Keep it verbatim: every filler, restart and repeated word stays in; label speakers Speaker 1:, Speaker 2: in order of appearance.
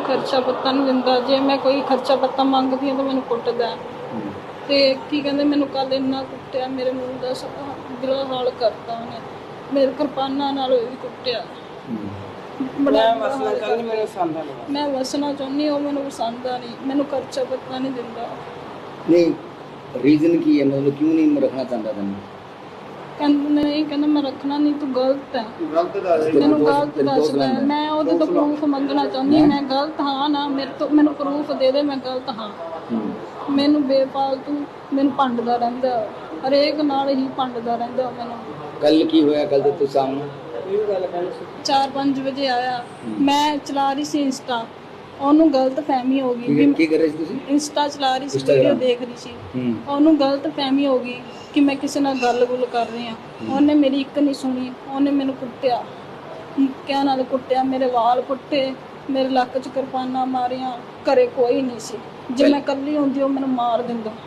Speaker 1: ਖਰਚਾ ਪੱਤਾ ਨਹੀਂ ਦਿੰਦਾ। ਜੇ ਮੈਂ ਕੋਈ ਖਰਚਾ ਪੱਤਾ ਮੰਗਦੀ ਹਾਂ ਤਾਂ ਮੈਨੂੰ ਕੁੱਟਦਾ। ਤੇ ਕੀ ਕਹਿੰਦੇ ਮੈਨੂੰ ਕੱਲ ਇੰਨਾ ਕੁੱਟਿਆ, ਮੇਰੇ ਮੂੰਹ ਦਾ ਬੁਰਾ ਹਾਲ ਕਰਤਾ ਉਹਨੇ, ਮੇਰੇ ਕਿਰਪਾਨਾਂ ਨਾਲ ਵੀ ਕੁੱਟਿਆ।
Speaker 2: ਮੈਂ ਵਸਣਾ ਚਾਹੁੰਦੀ, ਮੈਨੂੰ ਪਸੰਦ ਆ ਨਹੀਂ।
Speaker 1: ਮੈਂ ਵਸਣਾ ਚਾਹੁੰਦੀ, ਉਹ ਮੈਨੂੰ ਪਸੰਦ ਆ ਨਹੀਂ, ਮੈਨੂੰ ਖਰਚਾ ਪੱਤਾ ਨਹੀਂ ਦਿੰਦਾ।
Speaker 3: ਨਹੀਂ ਰੀਜ਼ਨ ਕੀ ਹੈ, ਮਤਲਬ ਕਿਉਂ ਨਹੀਂ ਰੱਖਣਾ ਚਾਹੁੰਦਾ ਤੈਨੂੰ?
Speaker 1: ਕਹਿੰਦਾ ਨਹੀਂ, ਕਹਿੰਦਾ ਮੈਂ ਰੱਖਣਾ ਨਹੀਂ, ਤੂੰ ਗਲਤ ਹੈ,
Speaker 4: ਗਲਤ ਦੱਸ
Speaker 1: ਮੈਨੂੰ ਗਲਤ ਦੱਸਦਾ। ਮੈਂ ਉਹਦੇ ਤੋਂ ਪ੍ਰੂਫ ਮੰਗਣਾ ਚਾਹੁੰਦੀ, ਮੈਂ ਗਲਤ ਹਾਂ ਨਾ, ਮੇਰੇ ਤੋਂ ਮੈਨੂੰ ਪ੍ਰੂਫ ਦੇ ਦੇ ਮੈਂ ਗਲਤ ਹਾਂ। ਮੈਨੂੰ ਬੇਫਾਲਤੂ ਮੈਨੂੰ ਭੰਡਦਾ ਰਹਿੰਦਾ, ਹਰੇਕ ਨਾਲ ਹੀ ਭੰਡਦਾ ਰਹਿੰਦਾ ਮੈਨੂੰ।
Speaker 3: ਕੱਲ ਕੀ ਹੋਇਆ? ਕੱਲ ਤੇ ਤੂੰ ਸਾਹਮਣੇ
Speaker 1: ਚਾਰ ਪੰਜ ਵਜੇ ਆਇਆ, ਮੈਂ ਚਲਾ ਰਹੀ ਸੀ ਇੰਸਟਾ, ਉਹਨੂੰ ਗਲਤ ਫਹਿਮੀ ਹੋ ਗਈ ਵੀ
Speaker 3: ਕੀ ਕਰ ਰਹੇ ਸੀ ਤੁਸੀਂ?
Speaker 1: ਇੰਸਟਾ ਚਲਾ ਰਹੀ ਸੀ, ਵੀਡੀਓ ਦੇਖ ਰਹੀ ਸੀ। ਉਹਨੂੰ ਗਲਤ ਫਹਿਮੀ ਹੋ ਗਈ ਕਿ ਮੈਂ ਕਿਸੇ ਨਾਲ ਗੱਲ ਗੁੱਲ ਕਰ ਰਹੀ ਹਾਂ। ਉਹਨੇ ਮੇਰੀ ਇੱਕ ਨਹੀਂ ਸੁਣੀ, ਉਹਨੇ ਮੈਨੂੰ ਕੁੱਟਿਆ, ਮੁੱਕਿਆਂ ਨਾਲ ਕੁੱਟਿਆ, ਮੇਰੇ ਵਾਲ ਪੁੱਟੇ, ਮੇਰੇ ਲੱਕ 'ਚ ਕਿਰਪਾਨਾਂ ਮਾਰੀਆਂ। ਘਰੇ ਕੋਈ ਨਹੀਂ ਸੀ, ਜੇ ਮੈਂ ਇਕੱਲੀ ਹੁੰਦੀ ਉਹ ਮੈਨੂੰ ਮਾਰ ਦਿੰਦਾ।